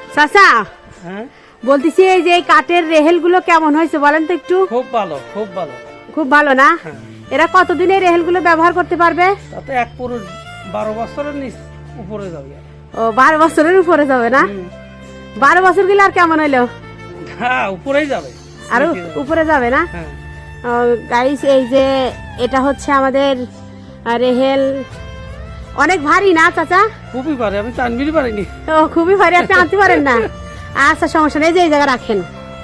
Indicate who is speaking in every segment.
Speaker 1: চাচা
Speaker 2: হ্যাঁ,
Speaker 1: বলতেছি এই যে এই কাঠের রেহেলগুলো কেমন হয়েছে বলেন তো একটু।
Speaker 2: খুব ভালো, খুব ভালো।
Speaker 1: খুব ভালো না?
Speaker 2: হ্যাঁ,
Speaker 1: এরা কতদিন এই রেহেলগুলো ব্যবহার করতে পারবে?
Speaker 2: তাতে এক পুরুষ 12 বছরের নিচ উপরে যাবে।
Speaker 1: ও 12 বছরের উপরে যাবে না? 12 বছর গেলে আর কেমন হইলো?
Speaker 2: হ্যাঁ, উপরেই যাবে।
Speaker 1: আরো
Speaker 2: বেশি যাবে।
Speaker 1: উপরে যাবে না?
Speaker 2: হ্যাঁ,
Speaker 1: গাইস এই যে এটা হচ্ছে আমাদের রেহেল, অনেক ভারী না চাচা?
Speaker 2: খুবই পারে, আমি টানবিরই পারিনি।
Speaker 1: ও খুবই ভারী, আপনি আনতে পারেন না? আচ্ছা সমস্যা নেই, যে এই জায়গায় রাখেন,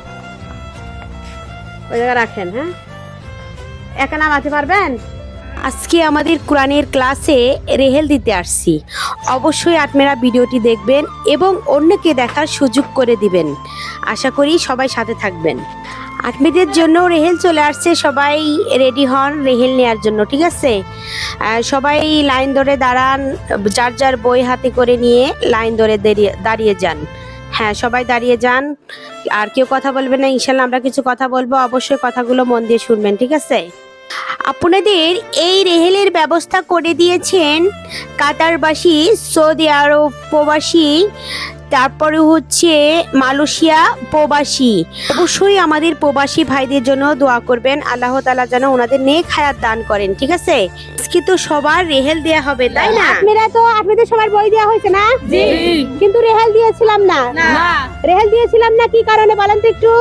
Speaker 1: ওই জায়গায় রাখেন। হ্যাঁ, একা নামাতে পারবেন? আজকে আমাদের কোরআনের ক্লাসে রেহেল দিতে আসছি। অবশ্যই আপনারা ভিডিওটি দেখবেন এবং অন্যকে দেখার সুযোগ করে দিবেন। আশা করি সবাই সাথে থাকবেন। আত্মীয়দের জন্য রেহেল চলে আসছে, সবাই রেডি হন রেহেল নেওয়ার জন্য, ঠিক আছে? সবাই লাইন ধরে দাঁড়ান, যার যার বই হাতে করে নিয়ে লাইন ধরে দাঁড়িয়ে যান। হ্যাঁ, সবাই দাঁড়িয়ে যান, আর কেউ কথা বলবে না। ইনশাল্লাহ আমরা কিছু কথা বলবো, অবশ্যই কথাগুলো মন দিয়ে শুনবেন, ঠিক আছে? আপনাদের এই রেহেলের ব্যবস্থা করে দিয়েছেন কাতারবাসী, সৌদি আরব প্রবাসী, তারপরে হচ্ছে মালয়েশিয়া প্রবাসী। অবশ্যই আমাদের প্রবাসী ভাইদের জন্য দোয়া করবেন, আল্লাহ তাআলা যেন ওনাদের নেক হায়াত দান করেন, ঠিক আছে? আজকে তো সবার রেহেল দেয়া হবে, তাই না? আপনাদের সবার বই দেওয়া হয়েছে না?
Speaker 2: জি।
Speaker 1: কিন্তু রেহেল দিয়েছিলাম না। রেহেল দিয়েছিলাম না কি কারণে বলেন তো একটু?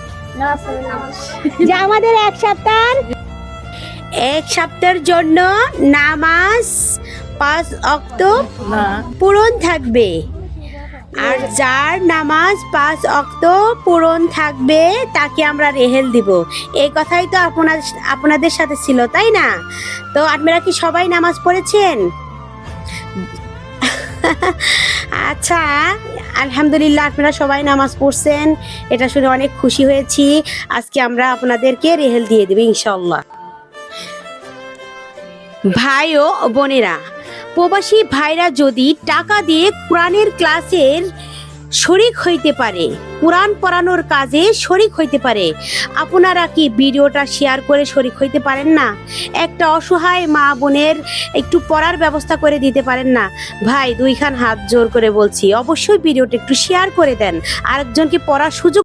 Speaker 1: যে আমাদের এক সপ্তাহের জন্য নামাজ 5 ওয়াক্ত পূরণ থাকবে, আর যার নামাজ 5 ওয়াক্ত পূরণ থাকবে তাকে আমরা রেহেল দিব। এই কথাই তো আপনাদের সাথে ছিল, তাই না? তো আপনারা কি সবাই নামাজ পড়েছেন? আচ্ছা, আলহামদুলিল্লাহ আপনারা সবাই নামাজ পড়ছেন, এটা শুনে অনেক খুশি হয়েছি। আজকে আমরা আপনাদেরকে রেহেল দিয়ে দেব ইনশাআল্লাহ। ভাই ও বোনেরা, প্রবাসী ভাইরা যদি টাকা দিয়ে কোরআনের ক্লাসের শরিক হইতে পারে, কোরআন পড়ানোর কাজে শরিক হইতে পারে, আপনারা কি ভিডিওটা শেয়ার করে শরিক হইতে পারেন না? একটা অসহায় মা বোনের একটু পড়ার ব্যবস্থা করে দিতে পারেন না? ভাই, দুইখান হাত জোর করে বলছি, অবশ্যই ভিডিওটা একটু শেয়ার করে দেন, আরেকজনকে পড়ার সুযোগ